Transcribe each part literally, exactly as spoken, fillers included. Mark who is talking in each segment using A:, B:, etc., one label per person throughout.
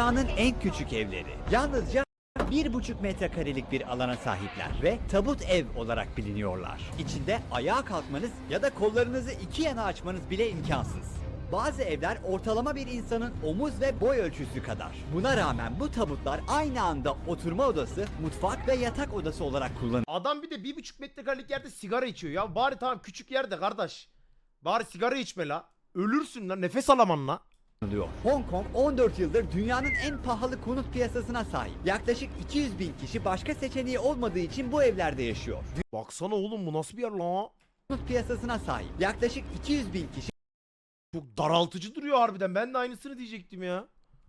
A: Dünyanın en küçük evleri. Yalnızca bir buçuk metrekarelik bir alana sahipler ve tabut ev olarak biliniyorlar. İçinde ayağa kalkmanız ya da kollarınızı iki yana açmanız bile imkansız. Bazı evler ortalama bir insanın omuz ve boy ölçüsü kadar. Buna rağmen bu tabutlar aynı anda oturma odası, mutfak ve yatak odası olarak kullanılıyor.
B: Adam bir de bir buçuk metrekarelik yerde sigara içiyor ya. Bari tamam küçük yerde kardeş. Bari sigara içme la. Ölürsün lan, nefes alaman la.
A: Hong Kong on dört yıldır dünyanın en pahalı konut piyasasına sahip. Yaklaşık iki yüz bin kişi başka seçeneği olmadığı için bu evlerde yaşıyor.
B: Baksana oğlum, bu nasıl bir yer la?
A: Konut piyasasına sahip. Yaklaşık iki yüz bin kişi
B: Çok daraltıcı duruyor harbiden. Ben de aynısını diyecektim ya.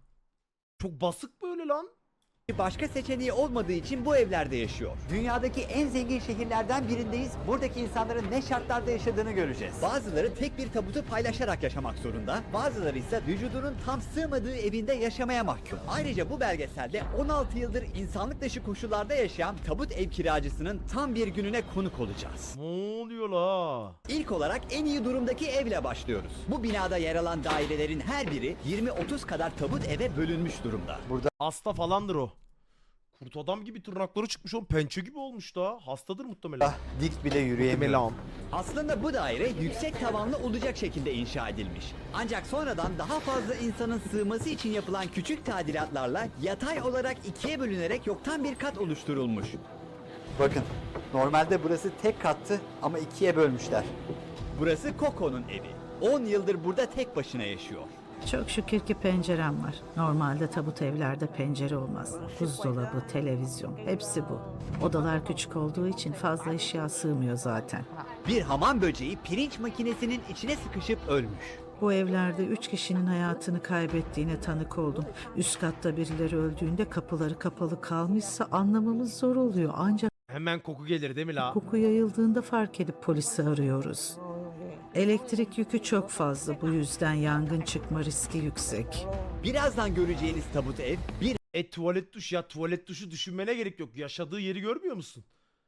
B: Çok basık böyle lan.
A: başka seçeneği olmadığı için bu evlerde yaşıyor. Dünyadaki en zengin şehirlerden birindeyiz. Buradaki insanların ne şartlarda yaşadığını göreceğiz. Bazıları tek bir tabutu paylaşarak yaşamak zorunda. Bazıları ise vücudunun tam sığmadığı evinde yaşamaya mahkum. Ayrıca bu belgeselde on altı yıldır insanlık dışı koşullarda yaşayan tabut ev kiracısının tam bir gününe konuk olacağız.
B: Ne oluyor la?
A: İlk olarak en iyi durumdaki evle başlıyoruz. Bu binada yer alan dairelerin her biri yirmi otuz kadar tabut eve bölünmüş durumda. Burada
B: Hasta falandır o. Kurt adam gibi tırnakları çıkmış oğlum. Pençe gibi olmuş da. Hastadır muhtemelen.
A: dik bile yürüyemiyor.
B: Muhtemelen.
A: Aslında bu daire yüksek tavanlı olacak şekilde inşa edilmiş. Ancak sonradan daha fazla insanın sığması için yapılan küçük tadilatlarla yatay olarak ikiye bölünerek yoktan bir kat oluşturulmuş. Bakın, normalde burası tek kattı ama ikiye bölmüşler. Burası Coco'nun evi. on yıldır burada tek başına yaşıyor.
C: Çok şükür ki pencerem var. Normalde tabut evlerde pencere olmaz. Buzdolabı, televizyon, hepsi bu. Odalar küçük olduğu için fazla eşya sığmıyor zaten.
A: Bir hamam böceği pirinç makinesinin içine sıkışıp ölmüş.
C: Bu evlerde üç kişinin hayatını kaybettiğine tanık oldum. Üst katta birileri öldüğünde kapıları kapalı kalmışsa anlamamız zor oluyor. Ancak
B: Hemen koku gelir değil mi la?
C: koku yayıldığında fark edip polisi arıyoruz. Elektrik yükü çok fazla. Bu yüzden yangın çıkma riski yüksek.
A: Birazdan göreceğiniz tabut ev bir
B: E tuvalet duş ya, tuvalet duşu düşünmene gerek yok. Yaşadığı yeri görmüyor musun?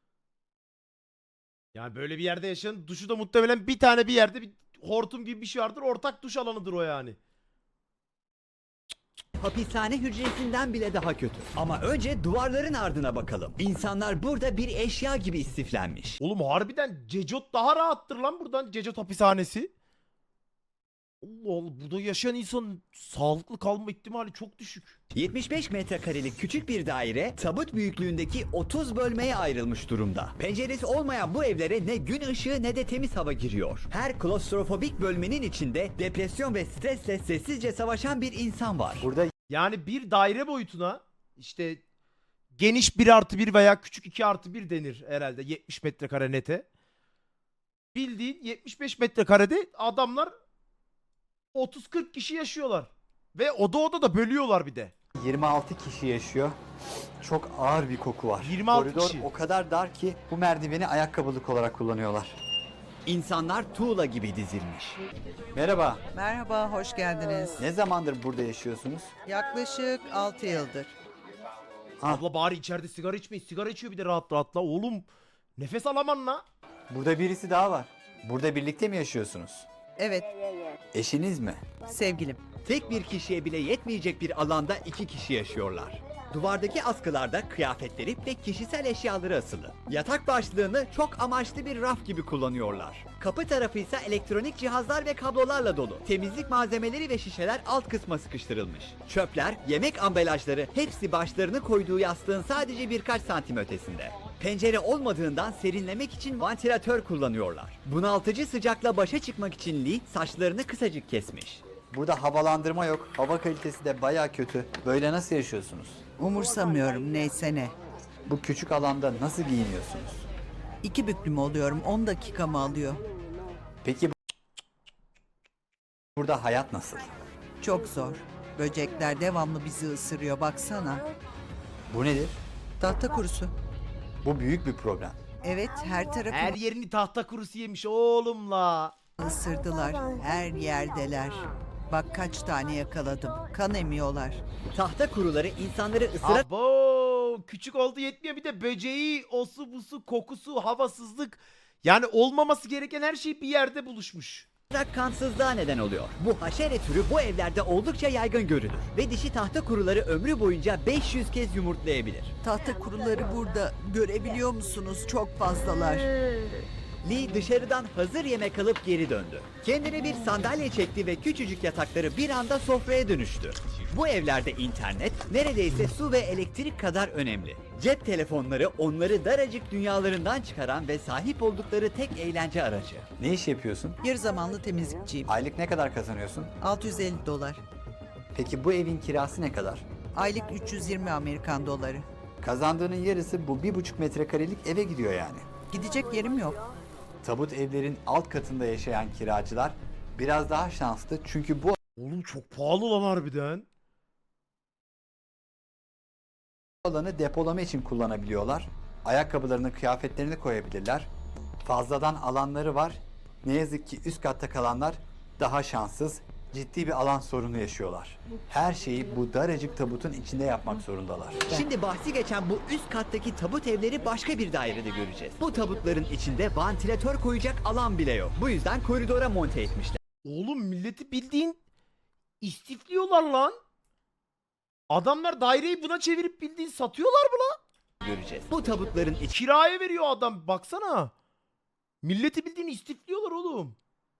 B: Yani böyle bir yerde yaşayan duşu da muhtemelen bir tane bir yerde bir hortum gibi bir şey vardır. Ortak duş alanıdır o yani.
A: hapishane hücresinden bile daha kötü. Ama önce duvarların ardına bakalım. İnsanlar burada bir eşya gibi istiflenmiş.
B: Oğlum harbiden Cecot daha rahattır lan buradan. Cecot hapishanesi. Allah Allah, burada yaşayan insan sağlıklı kalma ihtimali çok düşük.
A: yetmiş beş metrekarelik küçük bir daire tabut büyüklüğündeki otuz bölmeye ayrılmış durumda. Penceresi olmayan bu evlere ne gün ışığı ne de temiz hava giriyor. Her klostrofobik bölmenin içinde depresyon ve stresle sessizce savaşan bir insan var. Burada
B: Yani bir daire boyutuna işte geniş bir artı bir veya küçük iki artı bir denir herhalde yetmiş metrekare nete. Bildiğin yetmiş beş metrekarede adamlar otuz kırk kişi yaşıyorlar. Ve oda oda da bölüyorlar bir de.
A: yirmi altı kişi yaşıyor. Çok ağır bir koku var.
B: yirmi altı
A: Koridor
B: kişi.
A: o kadar dar ki bu merdiveni ayakkabılık olarak kullanıyorlar. İnsanlar tuğla gibi dizilmiş. Merhaba.
D: Merhaba, hoş geldiniz.
A: Ne zamandır burada yaşıyorsunuz?
D: Yaklaşık altı yıldır.
B: Abla bari içeride sigara içmeyin. Sigara içiyor bir de rahat rahat la. Oğlum nefes alaman la.
A: Burada birisi daha var. Burada birlikte mi yaşıyorsunuz?
D: Evet,
A: Eşiniz mi?
D: sevgilim.
A: Tek bir kişiye bile yetmeyecek bir alanda iki kişi yaşıyorlar. Duvardaki askılarda kıyafetleri ve kişisel eşyaları asılı. Yatak başlığını çok amaçlı bir raf gibi kullanıyorlar. Kapı tarafı ise elektronik cihazlar ve kablolarla dolu. Temizlik malzemeleri ve şişeler alt kısma sıkıştırılmış. Çöpler, yemek ambalajları hepsi başlarını koyduğu yastığın sadece birkaç santim ötesinde. Pencere olmadığından serinlemek için vantilatör kullanıyorlar. Bunaltıcı sıcakla başa çıkmak için Lee saçlarını kısacık kesmiş. Burada havalandırma yok. Hava kalitesi de baya kötü. Böyle nasıl yaşıyorsunuz?
D: Umursamıyorum, neyse ne.
A: Bu küçük alanda nasıl giyiniyorsunuz?
D: İki büklüm oluyorum, on dakikamı alıyor.
A: Peki bu- burada hayat nasıl?
D: Çok zor. Böcekler devamlı bizi ısırıyor, baksana.
A: Bu nedir?
D: Tahta kurusu.
A: Bu büyük bir problem.
D: Evet, her
B: Her
D: tarafı
B: yerini tahta kurusu yemiş oğlum la.
D: ısırdılar. Her yerdeler. Bak kaç tane yakaladım. Kan emiyorlar.
A: Tahta kuruları insanları ısırarak
B: Abo küçük oldu yetmiyor, bir de böceği, osu busu, kokusu, havasızlık. Yani olmaması gereken her şey bir yerde buluşmuş.
A: kansızlığa neden oluyor. Bu haşere türü bu evlerde oldukça yaygın görülür ve dişi tahta kuruları ömrü boyunca beş yüz kez yumurtlayabilir.
D: Tahta kuruları burada. Görebiliyor musunuz? Çok fazlalar.
A: Lee dışarıdan hazır yemek alıp geri döndü. Kendine bir sandalye çekti ve küçücük yatakları bir anda sofraya dönüştü. Bu evlerde internet neredeyse su ve elektrik kadar önemli. Cep telefonları onları daracık dünyalarından çıkaran ve sahip oldukları tek eğlence aracı.
E: Ne iş yapıyorsun?
D: Yarı zamanlı temizlikçiyim.
E: Aylık ne kadar kazanıyorsun?
D: altı yüz elli dolar.
E: Peki bu evin kirası ne kadar?
D: Aylık üç yüz yirmi Amerikan doları.
E: Kazandığının yarısı bu bir buçuk metrekarelik eve gidiyor yani.
D: Gidecek yerim yok.
E: Tabut evlerin alt katında yaşayan kiracılar biraz daha şanslı çünkü bu
B: Oğlum çok pahalı lan harbiden.
E: alanı depolama için kullanabiliyorlar. Ayakkabılarını, kıyafetlerini koyabilirler. Fazladan alanları var. Ne yazık ki üst katta kalanlar daha şanssız, ciddi bir alan sorunu yaşıyorlar. Her şeyi bu daracık tabutun içinde yapmak zorundalar.
A: Şimdi bahsi geçen bu üst kattaki tabut evleri başka bir dairede göreceğiz. Bu tabutların içinde vantilatör koyacak alan bile yok. Bu yüzden koridora monte etmişler.
B: Oğlum milleti bildiğin istifliyorlar lan. Adamlar daireyi buna çevirip bildiğin satıyorlar mı lan?
A: Göreceğiz. Bu tabutların
B: Kiraya veriyor adam baksana. Milleti bildiğin istifliyorlar oğlum.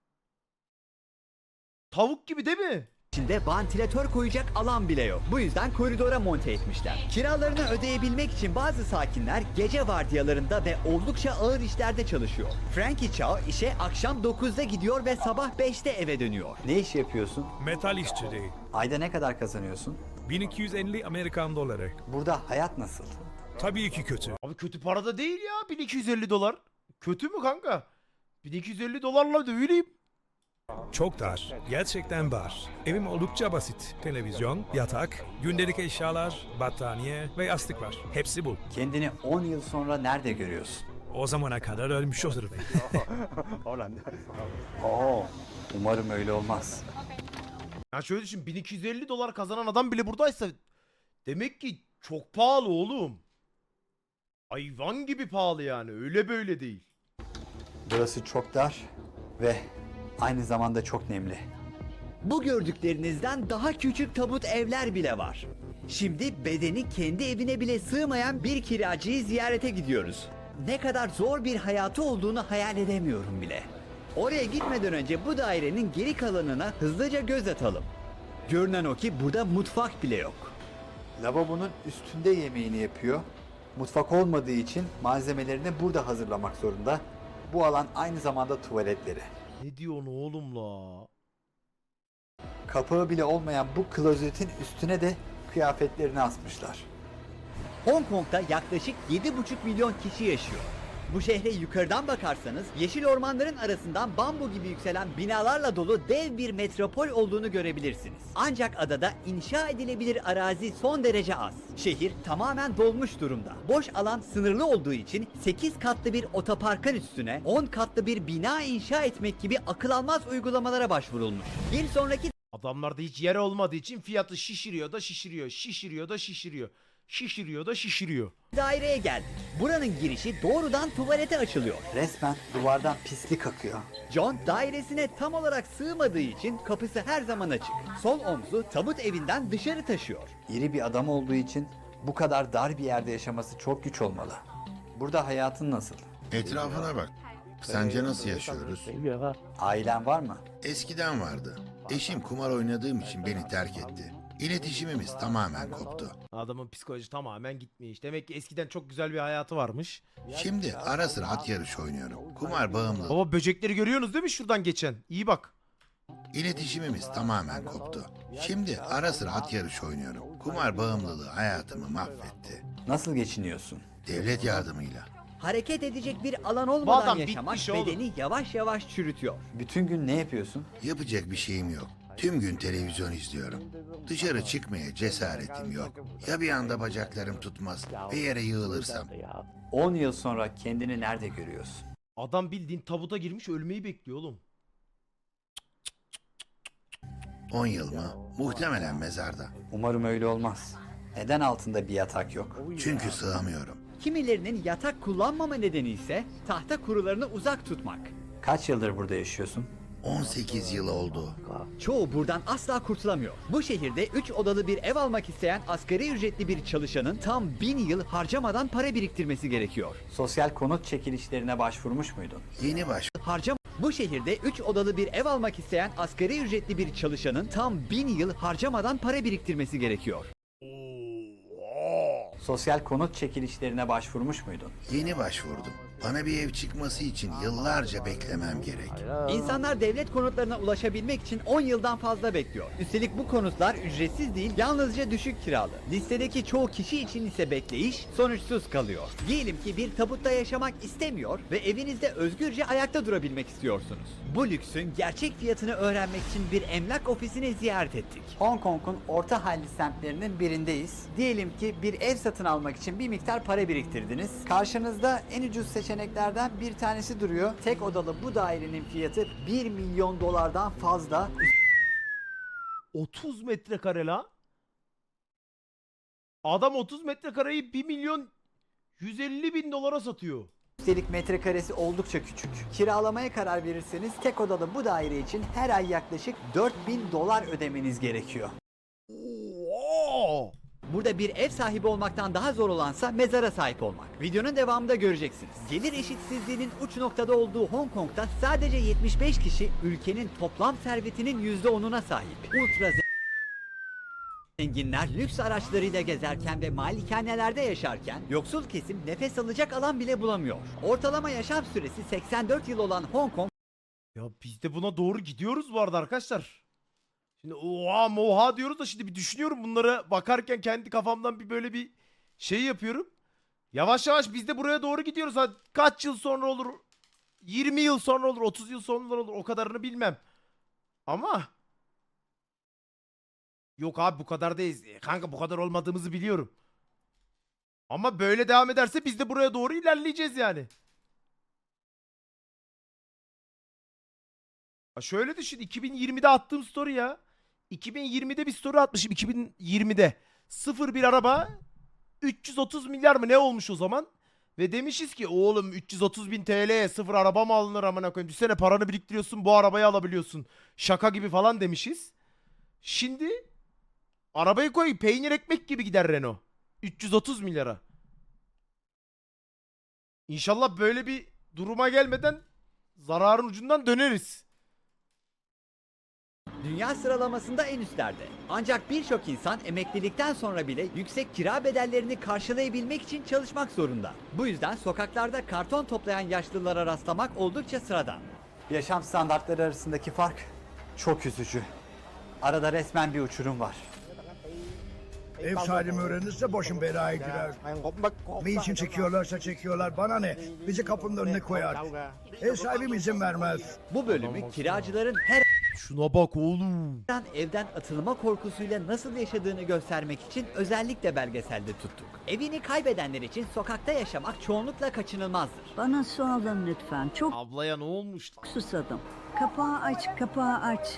B: Tavuk gibi değil mi?
A: içinde vantilatör koyacak alan bile yok. Bu yüzden koridora monte etmişler. Kiralarını ödeyebilmek için bazı sakinler gece vardiyalarında ve oldukça ağır işlerde çalışıyor. Frankie Chow işe akşam dokuzda gidiyor ve sabah beşte eve dönüyor.
E: Ne iş yapıyorsun?
F: Metal işçiliği.
E: Ayda ne kadar kazanıyorsun?
F: bin iki yüz elli Amerikan doları.
E: Burada hayat nasıl?
F: Tabii ki kötü.
B: Abi kötü para da değil ya bin iki yüz elli dolar. Kötü mü kanka? bin iki yüz elli dolarla dövüleyim.
F: Çok dar. Gerçekten dar. Evim oldukça basit. Televizyon, yatak, gündelik eşyalar, battaniye ve yastık var. Hepsi bu.
E: Kendini on yıl sonra nerede görüyorsun?
F: O zamana kadar ölmüş olurum.
E: Oo, umarım öyle olmaz.
B: Ya şöyle düşün bin iki yüz elli dolar kazanan adam bile buradaysa demek ki çok pahalı oğlum. Hayvan gibi pahalı yani öyle böyle değil.
E: Burası çok dar ve aynı zamanda çok nemli.
A: Bu gördüklerinizden daha küçük tabut evler bile var. Şimdi bedeni kendi evine bile sığmayan bir kiracıyı ziyarete gidiyoruz. Ne kadar zor bir hayatı olduğunu hayal edemiyorum bile. Oraya gitmeden önce bu dairenin geri kalanına hızlıca göz atalım. Görünen o ki burada mutfak bile yok.
E: Lavabonun üstünde yemeğini yapıyor. Mutfak olmadığı için malzemelerini burada hazırlamak zorunda. Bu alan aynı zamanda tuvaletleri.
B: Ne diyorsun oğlum la?
E: Kapağı bile olmayan bu klozetin üstüne de kıyafetlerini asmışlar.
A: Hong Kong'da yaklaşık yedi buçuk milyon kişi yaşıyor. Bu şehre yukarıdan bakarsanız yeşil ormanların arasından bambu gibi yükselen binalarla dolu dev bir metropol olduğunu görebilirsiniz. Ancak adada inşa edilebilir arazi son derece az. Şehir tamamen dolmuş durumda. Boş alan sınırlı olduğu için sekiz katlı bir otoparkın üstüne on katlı bir bina inşa etmek gibi akıl almaz uygulamalara başvurulmuş. Bir sonraki
B: Adamlarda hiç yer olmadığı için fiyatı şişiriyor da şişiriyor, şişiriyor da şişiriyor, şişiriyor da şişiriyor.
A: daireye geldik. Buranın girişi doğrudan tuvalete açılıyor.
E: Resmen duvardan pislik akıyor.
A: John dairesine tam olarak sığmadığı için kapısı her zaman açık. Sol omzu tabut evinden dışarı taşıyor.
E: İri bir adam olduğu için bu kadar dar bir yerde yaşaması çok güç olmalı. Burada hayatın nasıl?
G: Etrafına bak. Sence nasıl yaşıyoruz?
E: Ailen var mı?
G: Eskiden vardı. Eşim kumar oynadığım için beni terk etti. İletişimimiz tamamen koptu.
B: Adamın psikoloji tamamen gitmiş. Demek ki eskiden çok güzel bir hayatı varmış.
G: Şimdi ara sıra at yarışı oynuyorum. Kumar bağımlı.
B: Baba böcekleri görüyorsunuz değil mi şuradan geçen? İyi bak.
G: İletişimimiz tamamen koptu. Şimdi ara sıra at yarışı oynuyorum. Kumar bağımlılığı hayatımı mahvetti.
E: Nasıl geçiniyorsun?
G: Devlet yardımıyla.
A: Hareket edecek bir alan
B: Bu
A: olmadan
B: adam
A: yaşamak
B: bitmiş oğlum.
A: bedeni yavaş yavaş çürütüyor.
E: Bütün gün ne yapıyorsun?
G: Yapacak bir şeyim yok. Tüm gün televizyon izliyorum. Dışarı çıkmaya cesaretim yok. Ya bir anda bacaklarım tutmaz ve yere yığılırsam?
E: on yıl sonra kendini nerede görüyorsun?
B: Adam bildiğin tabuta girmiş ölmeyi bekliyor oğlum.
G: on yıl mı? Muhtemelen mezarda.
E: Umarım öyle olmaz. Neden altında bir yatak yok?
G: Çünkü sığamıyorum.
A: Kimilerinin yatak kullanmama nedeni ise tahta kurularını uzak tutmak.
E: Kaç yıldır burada yaşıyorsun?
G: on sekiz yıl oldu.
A: Çoğu buradan asla kurtulamıyor. Bu şehirde üç odalı bir ev almak isteyen asgari ücretli bir çalışanın tam bin yıl harcamadan para biriktirmesi gerekiyor.
E: Sosyal konut çekilişlerine başvurmuş muydun?
G: Yeni baş
A: Harcam Bu şehirde üç odalı bir ev almak isteyen asgari ücretli bir çalışanın tam bin yıl harcamadan para biriktirmesi gerekiyor.
E: Sosyal konut çekilişlerine başvurmuş muydun?
G: yeni başvurdum. Bana bir ev çıkması için yıllarca beklemem gerek.
A: İnsanlar devlet konutlarına ulaşabilmek için on yıldan fazla bekliyor. Üstelik bu konutlar ücretsiz değil, yalnızca düşük kiralı. Listedeki çoğu kişi için ise bekleyiş sonuçsuz kalıyor. Diyelim ki bir tabutta yaşamak istemiyor ve evinizde özgürce ayakta durabilmek istiyorsunuz. Bu lüksün gerçek fiyatını öğrenmek için bir emlak ofisini ziyaret ettik.
E: Hong Kong'un orta halli semtlerinin birindeyiz. Diyelim ki bir ev satın almak için bir miktar para biriktirdiniz. Karşınızda en ucuz seçeneklerden bir tanesi duruyor. Tek odalı bu dairenin fiyatı bir milyon dolardan fazla.
B: otuz metrekare la. Adam otuz metrekareyi bir milyon yüz elli bin dolara satıyor.
E: Üstelik metrekaresi oldukça küçük. Kiralamaya karar verirseniz tek odalı bu daire için her ay yaklaşık dört bin dolar ödemeniz gerekiyor.
B: Oo!
A: Burada bir ev sahibi olmaktan daha zor olansa mezara sahip olmak. Videonun devamında göreceksiniz. Gelir eşitsizliğinin uç noktada olduğu Hong Kong'da sadece yetmiş beş kişi ülkenin toplam servetinin yüzde onuna sahip. Ultra zenginler lüks araçlarıyla gezerken ve malikanelerde yaşarken yoksul kesim nefes alacak alan bile bulamıyor. Ortalama yaşam süresi seksen dört yıl olan Hong Kong
B: Ya biz de buna doğru gidiyoruz bu arada arkadaşlar. Şimdi oha moha diyoruz da şimdi bir düşünüyorum bunlara bakarken kendi kafamdan bir böyle bir şey yapıyorum. Yavaş yavaş biz de buraya doğru gidiyoruz. Ha, kaç yıl sonra olur? yirmi yıl sonra olur, otuz yıl sonra olur. O kadarını bilmem. Ama yok abi bu kadar değiliz. E, Kanka bu kadar olmadığımızı biliyorum. Ama böyle devam ederse biz de buraya doğru ilerleyeceğiz yani. Ha şöyle düşün, iki bin yirmide attığım story ya. iki bin yirmide bir story atmışım, iki bin yirmide. Sıfır bir araba üç yüz otuz milyar mı ne olmuş o zaman? Ve demişiz ki oğlum üç yüz otuz bin T L'ye sıfır araba mı alınır amına koyayım? Düşsene paranı biriktiriyorsun bu arabayı alabiliyorsun. Şaka gibi falan demişiz. Şimdi arabayı koy peynir ekmek gibi gider Renault. üç yüz otuz milyara. İnşallah böyle bir duruma gelmeden zararın ucundan döneriz.
A: dünya sıralamasında en üstlerde. Ancak birçok insan emeklilikten sonra bile yüksek kira bedellerini karşılayabilmek için çalışmak zorunda. Bu yüzden sokaklarda karton toplayan yaşlılara rastlamak oldukça sıradan.
E: Yaşam standartları arasındaki fark çok üzücü. Arada resmen bir uçurum var.
H: Ev sahibim öğrenirse başım belaya girer. Ne için çekiyorlarsa çekiyorlar bana ne? Bizi kapının önüne koyar. Ev sahibim izin vermez.
A: Bu bölümü kiracıların her
B: Şuna bak oğlum.
A: an evden atılma korkusuyla nasıl yaşadığını göstermek için özellikle belgeselde tuttuk. Evini kaybedenler için sokakta yaşamak çoğunlukla kaçınılmazdır.
I: Bana su alın lütfen. Çok
B: Ablaya ne olmuş?
I: susadım. Kapağı aç, kapağı aç.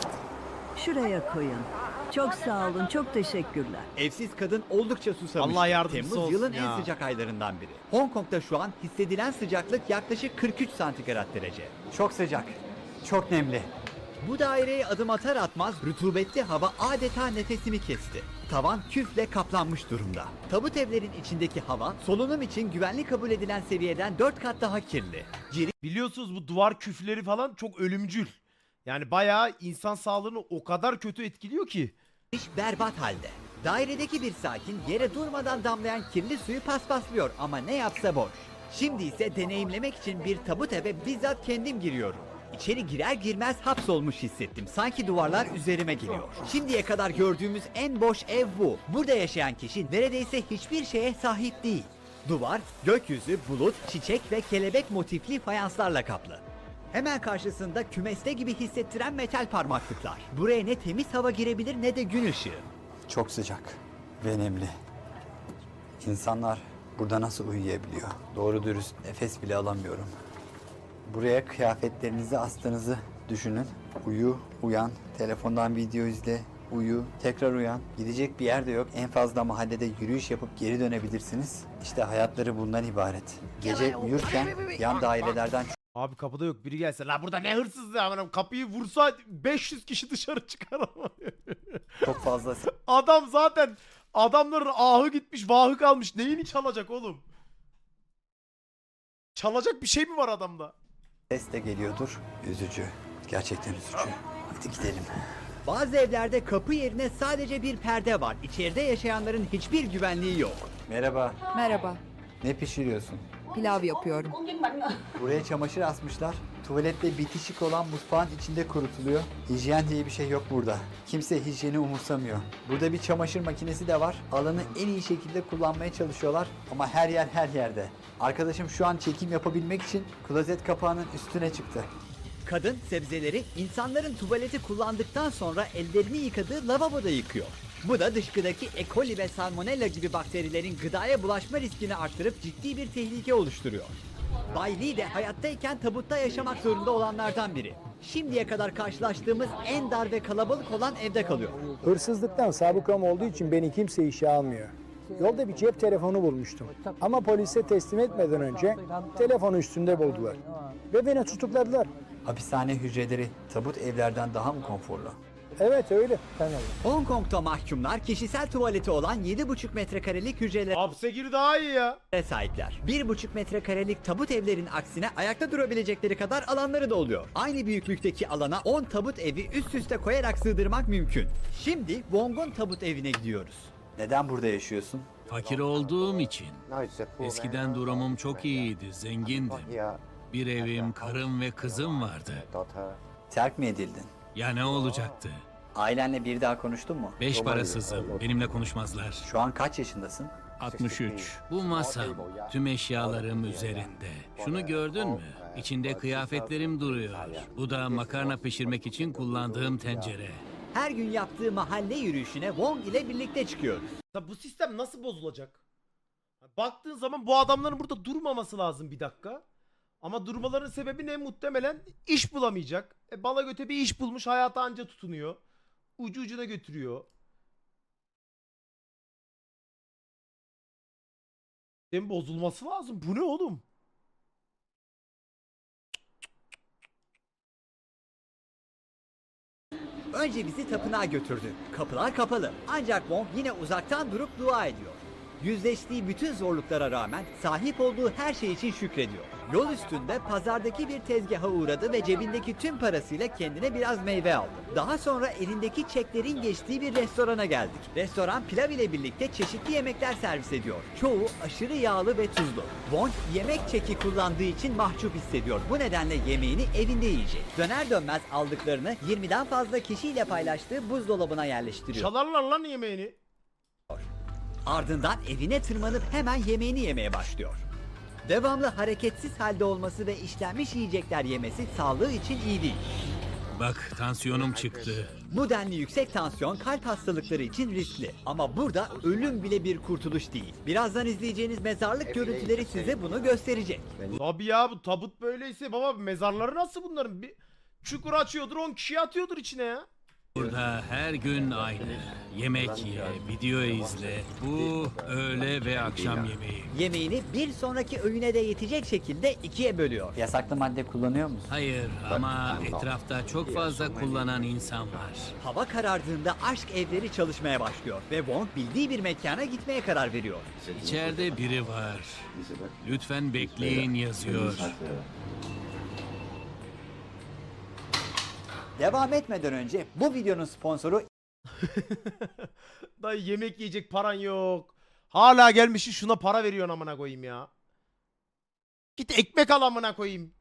I: Şuraya koyun. Çok sağ olun, çok teşekkürler.
A: Evsiz kadın oldukça susamış.
B: Allah yardımcısı
A: Temmuz
B: olsun
A: yılın
B: ya.
A: en sıcak aylarından biri. Hong Kong'da şu an hissedilen sıcaklık yaklaşık kırk üç santigrat derece.
E: Çok sıcak, çok nemli.
A: Bu daireye adım atar atmaz rutubetli hava adeta nefesimi kesti. Tavan küfle kaplanmış durumda. Tabut evlerin içindeki hava solunum için güvenli kabul edilen seviyeden dört kat daha kirli.
B: Biliyorsunuz bu duvar küfleri falan çok ölümcül. Yani bayağı insan sağlığını o kadar kötü etkiliyor ki.
A: Giriş berbat halde. Dairedeki bir sakin yere durmadan damlayan kirli suyu paspaslıyor ama ne yapsa boş. Şimdi ise deneyimlemek için bir tabut eve bizzat kendim giriyorum. İçeri girer girmez hapsolmuş hissettim. Sanki duvarlar üzerime geliyor. Şimdiye kadar gördüğümüz en boş ev bu. Burada yaşayan kişi neredeyse hiçbir şeye sahip değil. Duvar, gökyüzü, bulut, çiçek ve kelebek motifli fayanslarla kaplı. Hemen karşısında kümeste gibi hissettiren metal parmaklıklar. Buraya ne temiz hava girebilir ne de gün ışığı.
E: Çok sıcak ve nemli. İnsanlar burada nasıl uyuyabiliyor? Doğru dürüst nefes bile alamıyorum. Buraya kıyafetlerinizi astığınızı düşünün. Uyu, uyan, telefondan video izle, uyu, tekrar uyan. Gidecek bir yer de yok. En fazla mahallede yürüyüş yapıp geri dönebilirsiniz. İşte hayatları bundan ibaret. Gece uyurken yan dairelerden
B: Abi kapıda yok, biri gelse. La burada ne hırsızlığı amına, kapıyı vursa beş yüz kişi dışarı çıkar ama.
E: çok fazla
B: Adam zaten, adamların ahı gitmiş, vahı kalmış. Neyini çalacak oğlum? Çalacak bir şey mi var adamda?
E: ses de geliyordur. Üzücü. Gerçekten üzücü. Hadi gidelim.
A: Bazı evlerde kapı yerine sadece bir perde var. İçeride yaşayanların hiçbir güvenliği yok.
E: Merhaba.
J: Merhaba,
E: Ne pişiriyorsun?
J: pilav yapıyorum.
E: Buraya çamaşır asmışlar. Tuvaletle bitişik olan mutfağın içinde kurutuluyor. Hijyen diye bir şey yok burada. Kimse hijyeni umursamıyor. Burada bir çamaşır makinesi de var. Alanı en iyi şekilde kullanmaya çalışıyorlar ama her yer her yerde. Arkadaşım şu an çekim yapabilmek için klozet kapağının üstüne çıktı.
A: Kadın sebzeleri insanların tuvaleti kullandıktan sonra ellerini yıkadığı lavaboda yıkıyor. Bu da dışkıdaki E. coli ve salmonella gibi bakterilerin gıdaya bulaşma riskini arttırıp ciddi bir tehlike oluşturuyor. Bay Lee de hayattayken tabutta yaşamak zorunda olanlardan biri. Şimdiye kadar karşılaştığımız en dar ve kalabalık olan evde kalıyor.
K: Hırsızlıktan sabıkam olduğu için beni kimse işe almıyor. Yolda bir cep telefonu bulmuştum. Ama polise teslim etmeden önce telefonu üstünde buldular. Ve beni tutukladılar.
E: Hapishane hücreleri tabut evlerden daha mı konforlu?
K: Evet öyle. Tamam.
A: Hong Kong'da mahkumlar kişisel tuvaleti olan yedi buçuk metrekarelik hücrelere
B: Hapse gir daha iyi ya.
A: sahipler. bir buçuk metrekarelik tabut evlerin aksine ayakta durabilecekleri kadar alanları da oluyor. Aynı büyüklükteki alana on tabut evi üst üste koyarak sığdırmak mümkün. Şimdi Wong'un tabut evine gidiyoruz.
E: Neden burada yaşıyorsun?
L: Fakir olduğum için. Eskiden durumum çok iyiydi, zengindim. Bir evim, karım ve kızım vardı.
E: Terk mi edildin?
L: Ya ne olacaktı?
E: Ailenle bir daha konuştun mu?
L: Beş parasızım, benimle konuşmazlar.
E: Şu an kaç yaşındasın?
L: altmış üç. Bu masam, tüm eşyalarım üzerinde. Şunu gördün mü? İçinde kıyafetlerim duruyor. Bu da makarna pişirmek için kullandığım tencere.
A: Her gün yaptığı mahalle yürüyüşüne Wong ile birlikte çıkıyoruz.
B: Ya bu sistem nasıl bozulacak? Baktığın zaman bu adamların burada durmaması lazım bir dakika. Ama durmaların sebebi ne? Muhtemelen iş bulamayacak. E, bala göte bir iş bulmuş, hayata anca tutunuyor. Ucu ucuna götürüyor. Sistemin bozulması lazım. Bu ne oğlum?
A: Önce bizi tapınağa götürdü. Kapılar kapalı. Ancak Wong yine uzaktan durup dua ediyor. Yüzleştiği bütün zorluklara rağmen sahip olduğu her şey için şükrediyor. Yol üstünde pazardaki bir tezgaha uğradı ve cebindeki tüm parasıyla kendine biraz meyve aldı. Daha sonra elindeki çeklerin geçtiği bir restorana geldik. Restoran pilav ile birlikte çeşitli yemekler servis ediyor. Çoğu aşırı yağlı ve tuzlu. Wong yemek çeki kullandığı için mahcup hissediyor. Bu nedenle yemeğini evinde yiyecek. Döner dönmez aldıklarını yirmiden fazla kişiyle paylaştığı buzdolabına yerleştiriyor.
B: Çalarlar lan yemeğini.
A: Ardından evine tırmanıp hemen yemeğini yemeye başlıyor. Devamlı hareketsiz halde olması ve işlenmiş yiyecekler yemesi sağlığı için iyi değil.
L: Bak, tansiyonum çıktı.
A: Bu denli yüksek tansiyon kalp hastalıkları için riskli. Ama burada ölüm bile bir kurtuluş değil. Birazdan izleyeceğiniz mezarlık görüntüleri size bunu gösterecek.
B: Tabii ya, bu tabut böyleyse baba, mezarları nasıl bunların? Bir çukur açıyordur, on kişi atıyordur içine ya.
L: Burada her gün aynı. Yemek ye, video izle. Bu öğle ve akşam yemeği.
A: Yemeğini bir sonraki öğüne de yetecek şekilde ikiye bölüyor.
E: Yasaklı madde kullanıyor musun?
L: Hayır ama etrafta çok fazla kullanan insan var.
A: Hava karardığında aşk evleri çalışmaya başlıyor ve Wong bildiği bir mekana gitmeye karar veriyor.
L: İçeride biri var. Lütfen bekleyin yazıyor.
A: Devam etmeden önce bu videonun sponsoru
B: Dayı yemek yiyecek paran yok. Hala gelmişsin şuna para veriyorsun amına koyayım ya. Git ekmek al amına koyayım.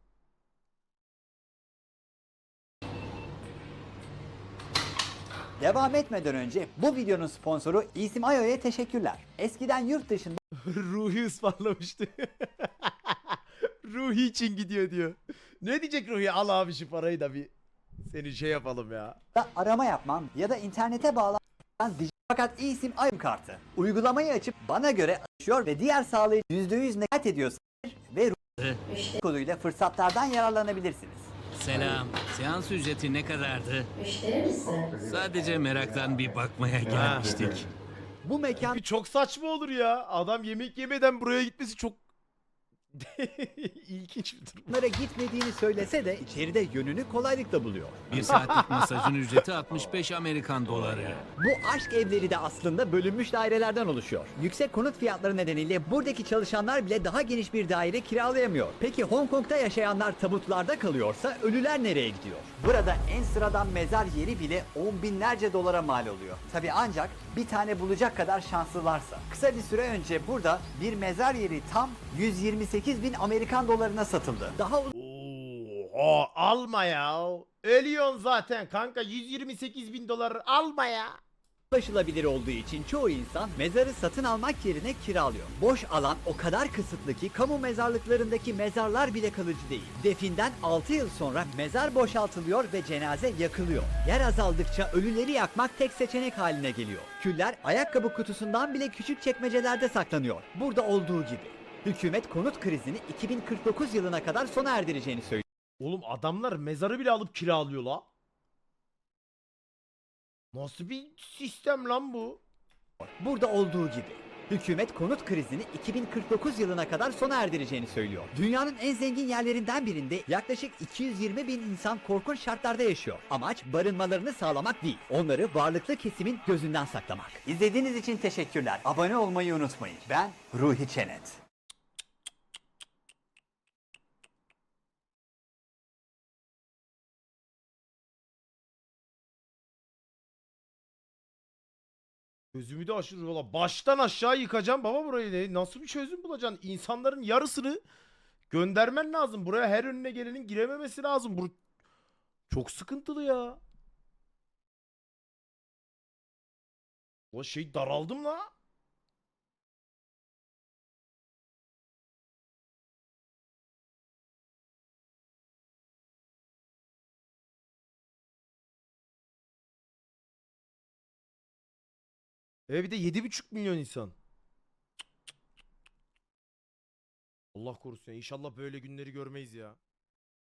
A: Devam etmeden önce bu videonun sponsoru İsim Ayo'ya teşekkürler. Eskiden yurt dışında
B: Ruhi ısmarlamıştı. Ruhi için gidiyor diyor. Ne diyecek Ruhi? Al abi şu parayı da bir seni şey yapalım ya.
A: arama yapmam ya da internete bağlanan dijital fakat İsim Ayo kartı. Uygulamayı açıp bana göre açıyor ve diğer sağlayıcı yüzde yüz nekat ediyorsa ve Ruhi koduyla fırsatlardan yararlanabilirsiniz.
L: Selam. Seans ücreti ne kadardı? Sadece meraktan bir bakmaya gelmiştik.
A: Bu mekan
B: Bir çok saçma olur ya. Adam yemek yemeden buraya gitmesi çok İlginç bir durum.
A: Onlara gitmediğini söylese de içeride yönünü kolaylıkla buluyor.
L: Bir saatlik masajın ücreti altmış beş Amerikan doları.
A: Bu aşk evleri de aslında bölünmüş dairelerden oluşuyor. Yüksek konut fiyatları nedeniyle buradaki çalışanlar bile daha geniş bir daire kiralayamıyor. Peki Hong Kong'da yaşayanlar tabutlarda kalıyorsa ölüler nereye gidiyor? Burada en sıradan mezar yeri bile on binlerce dolara mal oluyor. Tabi ancak bir tane bulacak kadar şanslılarsa. Kısa bir süre önce burada bir mezar yeri tam yüz yirmi sekiz bin Amerikan dolarına satıldı. Daha
B: Oha, alma ya. Ölüyorsun zaten kanka, yüz yirmi sekiz bin dolar alma ya.
A: ulaşılabilir olduğu için çoğu insan mezarı satın almak yerine kiralıyor. Boş alan o kadar kısıtlı ki kamu mezarlıklarındaki mezarlar bile kalıcı değil. Definden altı yıl sonra mezar boşaltılıyor ve cenaze yakılıyor. Yer azaldıkça ölüleri yakmak tek seçenek haline geliyor. Küller ayakkabı kutusundan bile küçük çekmecelerde saklanıyor. Burada olduğu gibi. Hükümet konut krizini iki bin kırk dokuz yılına kadar sona erdireceğini söylüyor.
B: Oğlum adamlar mezarı bile alıp kiralıyor la. Nasıl bir sistem lan bu?
A: Burada olduğu gibi. Hükümet konut krizini iki bin kırk dokuz yılına kadar sona erdireceğini söylüyor. Dünyanın en zengin yerlerinden birinde yaklaşık iki yüz yirmi bin insan korkunç şartlarda yaşıyor. Amaç barınmalarını sağlamak değil, onları varlıklı kesimin gözünden saklamak. İzlediğiniz için teşekkürler. Abone olmayı unutmayın. Ben Ruhi Çenet.
B: Gözümü de aşırı valla. Baştan aşağı yıkacağım baba burayı. de. Nasıl bir çözüm bulacaksın? İnsanların yarısını göndermen lazım. Buraya her önüne gelenin girememesi lazım. Bu çok sıkıntılı ya. O şey daraldım la. E bir de yedi buçuk milyon insan. Allah korusun ya. İnşallah böyle günleri görmeyiz ya.